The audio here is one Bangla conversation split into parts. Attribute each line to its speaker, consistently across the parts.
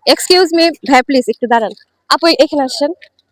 Speaker 1: এক্সকিউজ মি ভাই, প্লিজ একটু দাঁড়ান। আপু এখানে আসেন।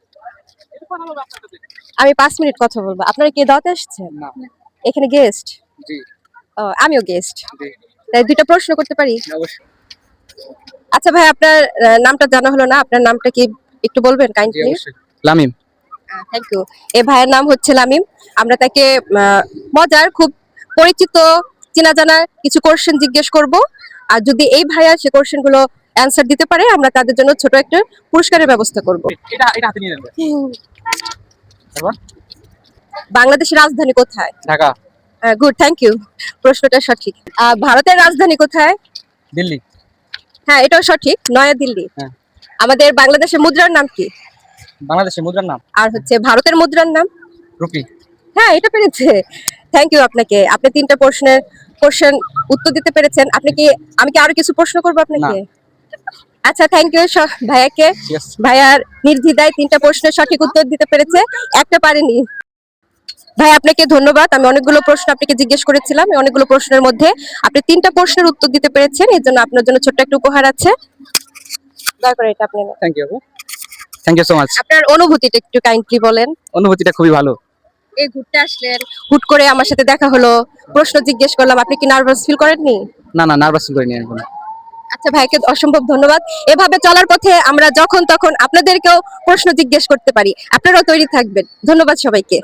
Speaker 1: আমি 5 মিনিট কথা বলবো। আপনারা কি দাওয়াতে আসছেন?
Speaker 2: না।
Speaker 1: এখানে গেস্ট?
Speaker 2: জি।
Speaker 1: আমিও গেস্ট।
Speaker 2: জি।
Speaker 1: তাই দুইটা প্রশ্ন করতে পারি?
Speaker 2: অবশ্যই।
Speaker 1: আচ্ছা ভাই, আপনার নামটা জানা হলো না। আপনার নামটা কি একটু বলবেন
Speaker 2: জি
Speaker 1: কাইন্ডলি?
Speaker 2: অবশ্যই। লামিম।
Speaker 1: Thank you. এই ভাইয়ের নাম হচ্ছে লামিম। আমরা তাকে মজার, খুব পরিচিত, চেনা জানা কিছু কোশ্চেন জিজ্ঞেস করব। আর যদি এই ভাইয়া সে কোশ্চেন গুলো অ্যান্সার দিতে পারে, আমরা তাদের জন্য ছোট একটা পুরস্কারের ব্যবস্থা করব।
Speaker 2: এটা এটা হাতে নিয়ে নেন। তারপর
Speaker 1: বাংলাদেশের রাজধানী কোথায়?
Speaker 2: ঢাকা।
Speaker 1: Good, thank you. প্রশ্নটা সঠিক। ভারতের রাজধানী কোথায়?
Speaker 2: দিল্লি।
Speaker 1: হ্যাঁ, এটাও সঠিক, নয়াদিল্লি।
Speaker 2: হ্যাঁ।
Speaker 1: আমাদের বাংলাদেশের মুদ্রার নাম কি?
Speaker 2: বাংলাদেশের মুদ্রার নাম
Speaker 1: আর হচ্ছে ভারতের মুদ্রার নাম?
Speaker 2: রুপি।
Speaker 1: হ্যাঁ, এটা পেরেছে। থ্যাংক ইউ আপনাকে। আপনি 3টা প্রশ্নের কোশ্চেন উত্তর দিতে পেরেছেন। আমি কি আরো কিছু প্রশ্ন করব
Speaker 2: না।
Speaker 1: আপনাকে? আচ্ছা, থ্যাংক ইউ ভাইয়াকে।
Speaker 2: ঠিক আছে।
Speaker 1: ভাইয়ার নির্দ্বিধায় 3টা প্রশ্নের সঠিক উত্তর দিতে পেরেছে, একটা পারেনি। ভাই আপনাকে ধন্যবাদ। আমি অনেকগুলো প্রশ্ন আপনাকে জিজ্ঞেস করেছিলাম। এই অনেকগুলো প্রশ্নের মধ্যে আপনি 3টা প্রশ্নের উত্তর দিতে পেরেছেন। এর জন্য আপনার জন্য ছোট্ট একটা উপহার আছে। দয়া করে এটা আপনি নেন।
Speaker 2: থ্যাংক ইউ আপু। Thank you so much.
Speaker 1: আপনার অনুভূতিটা একটু কাইন্ডলি বলেন।
Speaker 2: অনুভূতিটা খুবই ভালো।
Speaker 1: এই ঘুরতে আসলেন, হুট করে আমার সাথে দেখা হলো, প্রশ্ন জিজ্ঞেস করলাম, আপনি কি নার্ভাস ফিল করেননি?
Speaker 2: না না, নার্ভাস ফিল করিনি এখন।
Speaker 1: আচ্ছা, ভাইকে অসম্ভব ধন্যবাদ। এভাবে চলার পথে আমরা যখন তখন আপনাদেরকেও প্রশ্ন জিজ্ঞেস করতে পারি। আপনারাও তৈরি থাকবেন। ধন্যবাদ সবাইকে।